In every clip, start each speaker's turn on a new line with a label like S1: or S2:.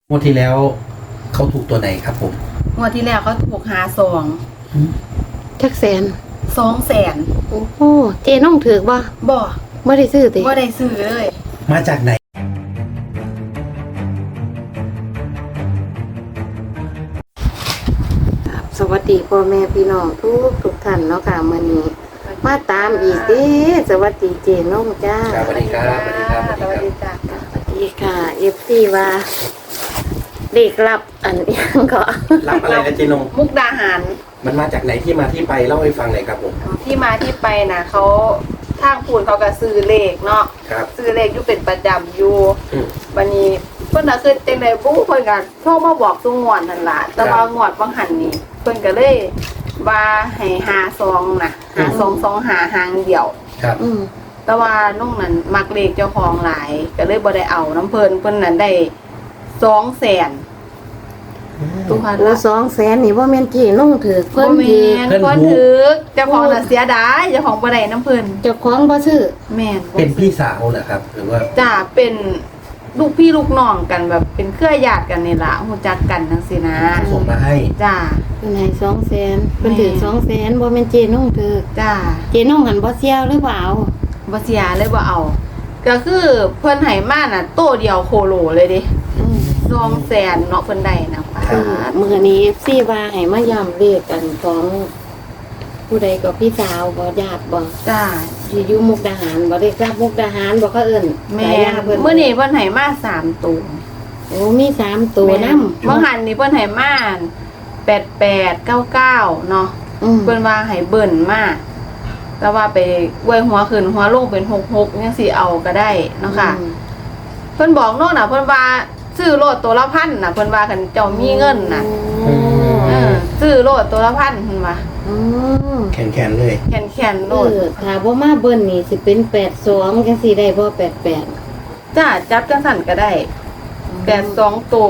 S1: งวดที่แล้วเขาถูกตัวไหนครับผม
S2: งวดที่แล้วเขาถูก
S3: จักแสน
S2: 200,000
S3: โอ้โหเจน้องถือบ่
S2: บ่
S3: ไม่ได้ซื้อติ
S2: บ่ได้ซื้อเลย
S1: มาจากไหน
S3: สวัสดีพ่อแม่พี่น้องทุกท่านเนาะค่ะมื้อนี้มาตามอีกเด้สวัสดีเจน้องจ้า
S1: ครับสวัสดีครับสวัสดีครับ
S2: สวัสดีจ้า
S3: สวัสดีค่ะ FC ว่าเลขลับอันยังก็
S1: รับอะไรนะเจนง
S2: มุกดาหาร
S1: มันมาจากไหนที่มาที่ไปเล่าให้ฟังหน่อยครับผม
S2: ที่มาที่ไปนะเขาทางปูนเขาก็ซื้อเลขเนาะ
S1: ครับ
S2: ซื้อเลขอยู่เป็นประจำอยู่
S1: อืม
S2: วันนี้เพิ่นน่ะคือจังได๋บ่เพิ่นก็โทรมาบอกซุงวดนั่นล่ะแต่ว่างวดบ่หันนี่เพิ่นก็เลยว่าให้52น่ะ5225หางเดียว
S1: ครับ
S2: แต่ว่าน้องนั้นมักเลขเจ้าของหลายก็เลยบ่ได้เอาน้ำเพิ่นนั้นได้200,000ทุกคน
S3: โอ้200,000นี่บ่แม่นเจน้องถือเพิ่น
S2: บ่
S3: ถือ
S2: แม่นเพิ่นถือเจ้าของน่ะเสียดายเจ้าของบ่ได้น้ำเพิ่น
S3: เจ้าของบ่ซื้อ
S2: แม่นบ่
S1: เป็นพี่สาวเหรอครับ หรือว่า
S2: จ้าเป็นลูกพี่ลูกน้องกันแบบเป็นเครือญาติกันนี่ล่ะฮู้จักกันจังซี่นะ
S1: ส่งมาให้
S2: จ้า
S3: เพิ่นให้200,000เพิ่นถือ200,000บ่แม่นเจน้องถือ
S2: จ้า
S3: เจน้องหันบ่เสียวหรือเปล่า
S2: บ่เสียเลยบ่เอา ก็คือเพิ่นให้มาน่ะโตเดียวโคโลเลยเดิ200,000เนาะเพิ่นได้นะป้า
S3: มื้อนี้ FC ว่าให้มาย้ำเลขกันของผู้ใดก็พี่สาวบ่ญาติบ่
S2: จ้า
S3: ที่อยู่มุกดาหารบ่ได้รับมุกดาหารบ่เขาเอิ้น
S2: แม่
S3: สายยาเพิ่น
S2: เมื่อนี้เพิ่นให้มา3ตัว
S3: โอ้มี3ตัวนำ
S2: เมื่อหันนี่เพิ่นให้มา8899เนาะเพิ่นว่าให้เบิ่นมาแต่ว่าไปอวยหัวขึ้นหัวลงเป็น66จังซี่เอาก็ได้เนาะค่ะ เพิ่นบอกโน่นน่ะเพิ่นว่าซื้อโลดตัวละ1,000น่ะเพิ่นว่าคันเจ้ามีเงินน่ะซื้อโลดตัวละ1,000เพิ่นว่า
S1: แขนเลย
S2: แขนโลด
S3: ถ้าบ่มาเบิ่นนี่สิเป็น82จังซี่ได้บ่88
S2: จ้าจับจังสั่นก็ได้82ตัว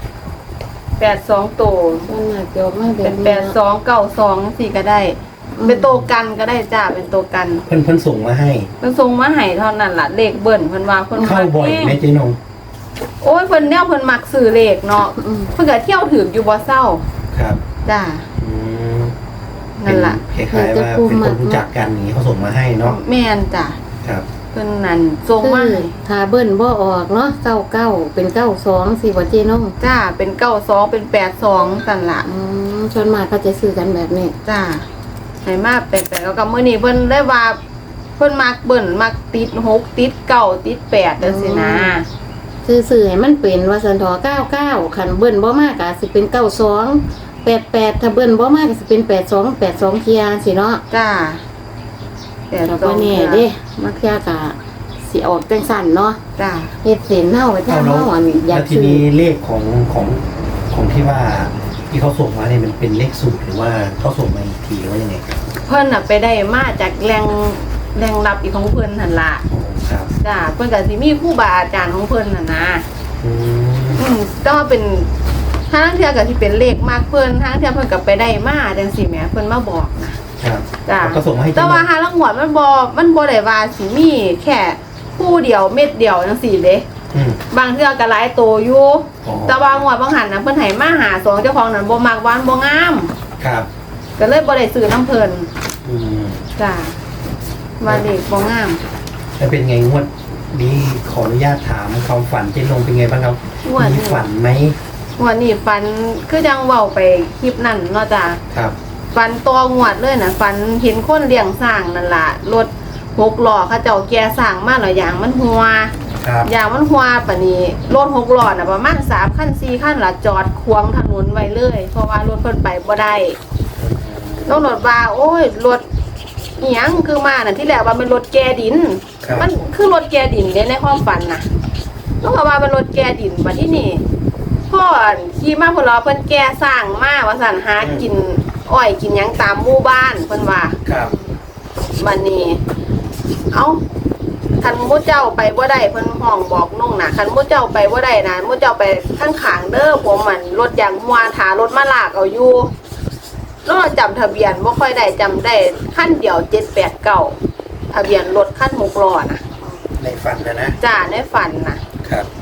S2: 82ตัว
S3: ส่วนมากจะออกมาแบ
S2: เป็
S3: บ
S2: น
S3: นี้
S2: 8292จังซี่ก็ได้ เป็นตัวกันก็ได้จ้าเป็นตัวกัน
S1: เพิ่นส่งมาให้
S2: เพิ่นส่งมาให้เท่านั้นล่ะเลขเบิ่นเพิ่นว่าเพิ่น
S1: เข้าบ่อยไหมเจนง
S2: โอ้ยเพิ่นแนวเพิ่นมักซื้อเลขเนาะเพิ่นก็เที่ยวถึงอยู่บ่เศร้า
S1: ครับ
S2: จ้า
S1: อืม
S2: นั่นล่ะ
S1: คล้ายๆว่าเป็นคนรู้จักกันอย่างนี้เขาส่งมาให้เนาะ
S2: แม่นจ้ะ
S1: ครับ
S2: เพิ่นนั่นส่งมาให้
S3: ถ้าเบิ่นบ่ออกเนาะ99เป็น92สิบ่เจน้อง
S2: จ้าเป็น92เป็น82สั่นล่ะ
S3: ส่วนมากเขาจะซื้อกันแบบนี้
S2: จ้าให้มา88แล้วก็มื้อนี้เพิ่นได้ว่าเพิ่นมักเบิ่นมักติด6ติด9ติด8จังซี่นะ
S3: ซื้อให้มันเป็นว่าสันทอ99คันเบิ่นบ่มากก็สิเป็น92 88ถ้าเบิ่นบ่มากก็สิเป็น82เที่ยสิเนาะ
S2: จ้า
S3: แต่บ่แน่เด้มักเที่ยก็สิออกจังซั่นเนาะ
S2: จ้า
S3: เฮ็ดเส้นเฮาไปทาง
S1: แล้ว
S3: เฮาอันอ
S1: แล้
S3: ยาก
S1: วที
S3: ซื้อ
S1: นี้เลขของที่ว่าที่เขาส่งมาเนี่ยมันเป็นเลขสูตรหรือว่าเขาส่งมาอีกทีหรือว่ายังไงครับ
S2: เพิ่นน่ะไปได้มาจากแรงรับอีกของเพิ่นหั่นล่ะ
S1: อ๋อครับ
S2: จ้าเพิ่นก็สิมีครูบาอาจารย์ของเพิ่นน่ะนะ
S1: อืม
S2: ก็เป็นทางเทื่อก็สิเป็นเลขมากเพิ่นทางเทื่อเพิ่นก็ไปได้มาจังซี่แหมเพิ่นมาบอกนะครับ จ้า
S1: แล้วก็ส่งมาให้
S2: แต่ว่าหาลังหวดมันบ่ได้ว่าสิมีแค่คู่เดียวเม็ดเดียวจังซี่เด้
S1: อืม
S2: บางเทื่อก็หลายโตอยู่
S1: อ๋อ
S2: แต่ว่างวดบางหันน่ะเพิ่นให้มาหาสองเจ้าของนั้นบ่มักหวานบ่งาม
S1: ครับ
S2: ก็เลยบ่ได้ซื้อน้ำเพิ่น
S1: อืม
S2: จ้าว่าเลขบ่งาม
S1: แล้วเป็นไงงวดนี้ขออนุญาตถามความฝันเจนลงเป็นไงบ้างครับ
S2: งวดนี้
S1: มีฝันไหม
S2: งวดนี้ฝันคือจังเว้าไปคลิปนั้นเนาะจ้า
S1: ครับ
S2: ฟันตัวงวดเลยนะฟันเห็นคนเลี้ยงสร้างนั่นล่ะรถ6ล้อเขาเจ้าแก่สร้างมาแล้วอย่างมันหัว
S1: ครับ
S2: อย่างมันหัวปะนี้รถ6ล้อน่ะประมาณ3คัน4คันล่ะจอดขวางถนนไว้เลย เพราะว่ารถเพิ่นไปบ่ได้น้องรถว่าโอ้ยรถอีหยังคือมาน่ะที่แรกว่าเป็นรถแก่ดิน
S1: ครับ
S2: มันคือรถแก่ดินเด้ในความฝันน่ะน้องก็ว่าเป็นรถแก่ดินบัดที่นี่พ่อขี่มาพุ่นล้อเพิ่นแก่สร้างมาว่าซั่นหากินอ้อยกินหยังตามหมู่บ้านเพิ่นว่า
S1: ครับ
S2: บัดนี้เอาคันหมู่เจ้าไปบ่ได้เพิ่นห้องบอกน้องน่ะคันหมู่เจ้าไปบ่ได้นะหมู่เจ้าไปข้างข้างเด้อผมมันรถยางมัวถารถมาลากเอาอยู่แล้วเราจำทะเบียนบ่ค่อยได้จำได้คันเดียว789ทะเบียนรถคัน6ล้อน่ะ
S1: ในฝันนะ
S2: จ้าในฝันน่ะ
S1: ครับ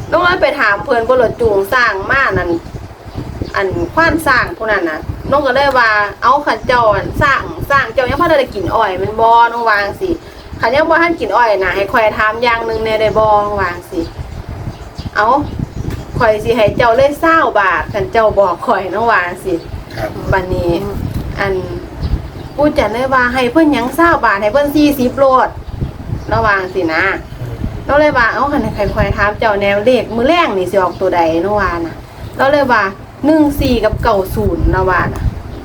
S2: น้องเลยไปถามเพิ่นบ่รถจูงสร้างมานั่นอันควานสร้างพวกนั้นน่ะน้องก็เลยว่าเอาขันเจ้าอันสร้างเจ้ายังพอได้กินอ้อยมันบ่น้องวาจังสิขันยังบ่ทันกินอ้อยน่ะให้ข่อยถามอย่างหนึงแน่ได้บ่น้องวาจังสิเอาข่อยสิให้เจ้าเลย20 บาทขันเจ้าบอกข่อยน้องวาจังสิ
S1: ครับ
S2: บัดนี้อันปู่จันเลยว่าให้เพิ่นหยัง20 บาทให้เพิ่น40โลดระวังสินะเราเลยว่าเอาคันใครคอยถามเจ้าแนวเลขมื้อแรงนี่สิออกตัวใดเนาะว่าน่ะเราเลยว่า14กับ90นะว่าน่ะ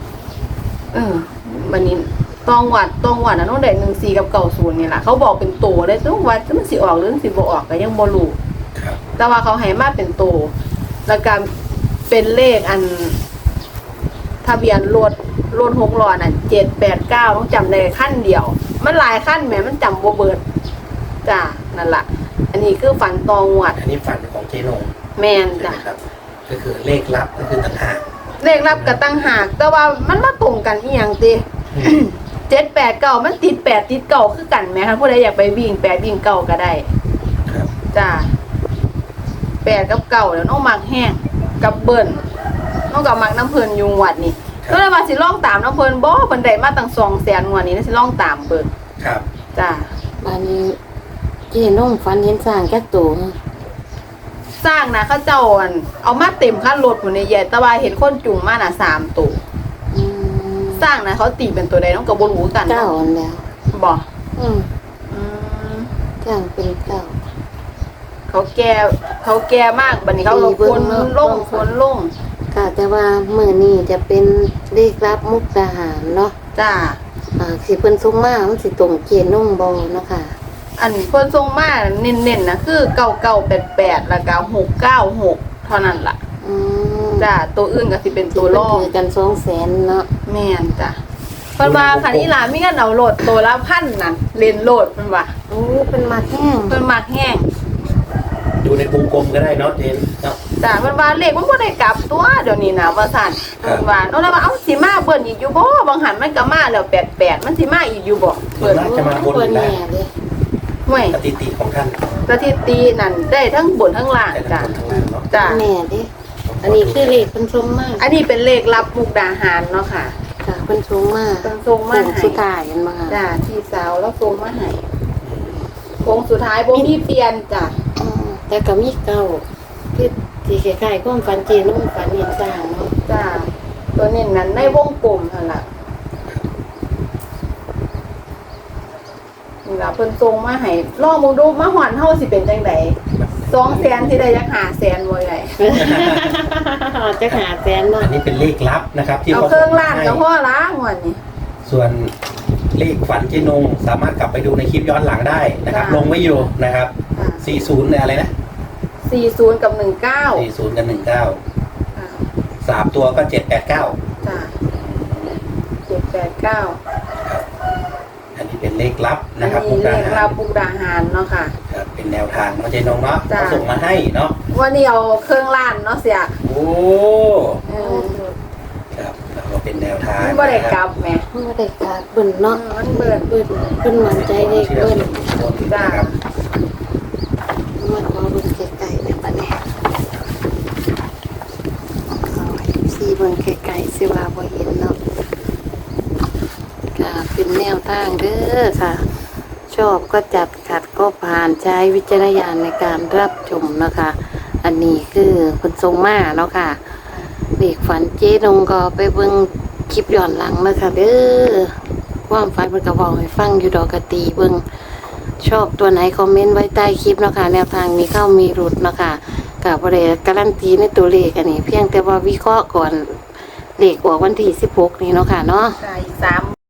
S2: บัดนี้ต้องวัดน่ะน้องได้14กับ90นี่ล่ะเขาบอกเป็นตัวเลยต้องว่ามันสิออกหรือสิบ่ออกก็ยังบ่รู้
S1: ครับ
S2: แต่ว่าเขาให้มาเป็นตัวแล้วก็เป็นเลขอันทะเบียนรถ6ล้อน่ะ789ต้องจำได้ขั้นเดียวมันหลายขั้นแหมมันจำบ่เบิดจ้านั่นล่ะอันนี้คือฝันตองวด
S1: อันนี้ฝันของเจนง
S2: แม่น
S1: ใช่
S2: จ้ะ
S1: ไหมครับก็คือเลขลับก็คือต่างหาก
S2: เลขรับกับตั้งหากแต่ว่ามันมาตรงกันอีหยังติ 789มันติด8ติด9คือกันแหมคะผู้ใดอยากไปวิ่ง8วิ่ง9ก็ได้
S1: ครับ
S2: จ้า8กับ9แล้วน้องมักแห้งกับเบิ้นน้องก็มักน้ำเพิ่นอยู่วัดนี่ก็เลยว่าสิลองตามน้ำเพิ่นบ่เพิ่นได้มาตั้ง200,000งวดนี้นะสิลองตามเบิ่ง
S1: ครับ
S2: จ้า
S3: บัดนี้เจ๊น้องฝันเห็นสร้างแก่ตัว
S2: สร้างนะเขาเจ้าอันเอามาเต็มคันรถพุ่นนี่ใหญ่แต่ว่าเห็นคนจุงมาน่ะ3ตัว
S3: อืม
S2: สร้างนะเขาตีเป็นตัวใดน้องก็บ่รู้กัน
S3: เก้าอันแล้ว
S2: บ่
S3: อืม
S2: อืม
S3: จ้างเป็นเก้า
S2: เขาแก่มากบัดนี้เขาลงคนลง
S3: ค่ะแต่ว่ามื้อนี้จะเป็นเลขรับมุกดาหารเนาะ
S2: จ้า
S3: สิเพิ่นส่งมามันสิตรงเจนงบ่เนาะค่ะ
S2: อันเพิ่นส่งมาเน้นๆนะคือ9988แล้วก็696เท่านั้นล่ะ
S3: อืม
S2: จ้าตัวอื่นก็สิเป็นตัวรอง
S3: ถือกัน200,000เนาะ
S2: แม่นจ้ะเพิ่นว่าคันอีหลามีเงินเอาโหลดตัวละ1,000นั่นเล่นโหลดเพิ่นว่า
S3: โอ้เป็นมาแห้ง
S2: เพิ่นมักแห้ง
S1: ดูในวงกลมก็ได้เนาะเจนเนาะ
S2: จ้ะเพิ่นว่าเลขมันบ่ได้กลับตัวเดี๋ยวนี้นะว่าซั่น
S1: ครับ
S2: เพิ่นว่าเนาะแล้วว่าเอ้าสิมาเบิ่นอีกอยู่บ่บางหันมันก็มาแล้ว88มันสิมาอีกอยู่บ่
S1: ส่วนมากจะมาบนหรือล่าง
S3: แน่เลย
S2: ห่วย
S1: สถิติของท่าน
S2: สถิตินั่นได้ทั้งบนทั้งล่าง
S1: แต่
S2: จ้ะ
S1: ทั้งบนทั้งล่างเนาะ
S2: จ้ะ
S3: แน่เด้อันนี้คือเลขเพิ่นส่งมา
S2: อันนี้เป็นเลขรับมุกดาหารเนาะค่ะ
S3: ค่ะเพิ่นส่งมา
S2: เพิ่นส่งมา
S3: โค้ง
S2: ให้
S3: สุดท้ายเห็นบ่คะ
S2: จ้ะพี่สาวแล้วส่งมาให้โค้งสุดท้ายบ่มีเปลี่ยนจ้ะ
S3: อืมแต่ก็มีเก้าคือสิคล้ายๆความฝันเจน้องฝันเห็นสร้างเนาะ
S2: จ้ะตัวนี้นั้นในวงกลมนั่นล่ะนี่ล่ะเพิ่นส่งมาให้ลองมึงดูมาหอนเฮาสิเป็นจังได200,000สิได้จัก500,000บ่ใหญ่
S3: จะหาแสนเนาะ
S1: อันนี้เป็นเลขลับนะครับ ที่
S2: เอา
S1: เขา
S2: เค
S1: ส่
S2: รื่อง
S1: งมา
S2: ล้าน
S1: ให้
S2: ก็พอล้างวันนี้
S1: ส่วนเลขฝันเจนงสามารถกลับไปดูในคลิปย้อนหลังได้นะครับ
S2: จ้ะ
S1: ลงไว้อยู่นะครับ
S2: อ่า
S1: 40เนี่ยอะไรนะ
S2: 40กับ19
S1: 40กับ19
S2: อ่า
S1: 3ตัวก็789
S2: จ้ะ789
S1: ครับ อันนี้เป็นเลขลับ
S2: อั
S1: นะ
S2: น
S1: ครับ
S2: นี้เลข
S1: มุกดาหาร
S2: รับมุกดาหารเนาะค่ะ
S1: ครับเป็นแนวทางเนาะเจนงเนาะ
S2: จ้ะ
S1: เขาส่งมาให้เนาะ
S2: วันนี้เอาเครื่องล้านเนาะเสีย
S1: โอ้
S2: เออ
S1: ครับแล้วก็เป็นแนวทาง
S2: มันบ่ได้กลับแหม
S3: มันบ่ได้กาดเบิ่นเนาะ
S2: มันเบิ่น
S3: เบิ่นเพิ่นมั่นใจเลข
S1: เชื่อ
S3: เบิ่น
S1: ส่วนบุคคลนะครับ
S3: มันขอเบิ่งไกลๆเนี่ยบัดนี้สีเบิ่งไกลๆสิว่าบ่เห็นเนาะค่ะเป็นแนวทางเด้อค่ะ ชอบก็จัดขัดก็ผ่านใช้วิจารณญาณในการรับชมนะคะ อันนี้คือคุณทรงมาเนาะค่ะเด็กฝันเจ๊ดงก็ไปเบิ่งคลิปย้อนหลังนะคะเด้อความฝันมันก็บอกให้ฟังอยู่ดอกกะตีเบิ่งชอบตัวไหนคอมเมนต์ไว้ใต้คลิปเนาะค่ะแนวทางมีเข้ามีหลุดเนาะค่ะกับประเดี๋ยวการันตีในตัวเลขอันนี้ เพียงแต่ว่าวิเคราะห์ก่อนเลขออกวันที่16นี้เนาะค่ะเนาะ
S2: จ้ะอีก3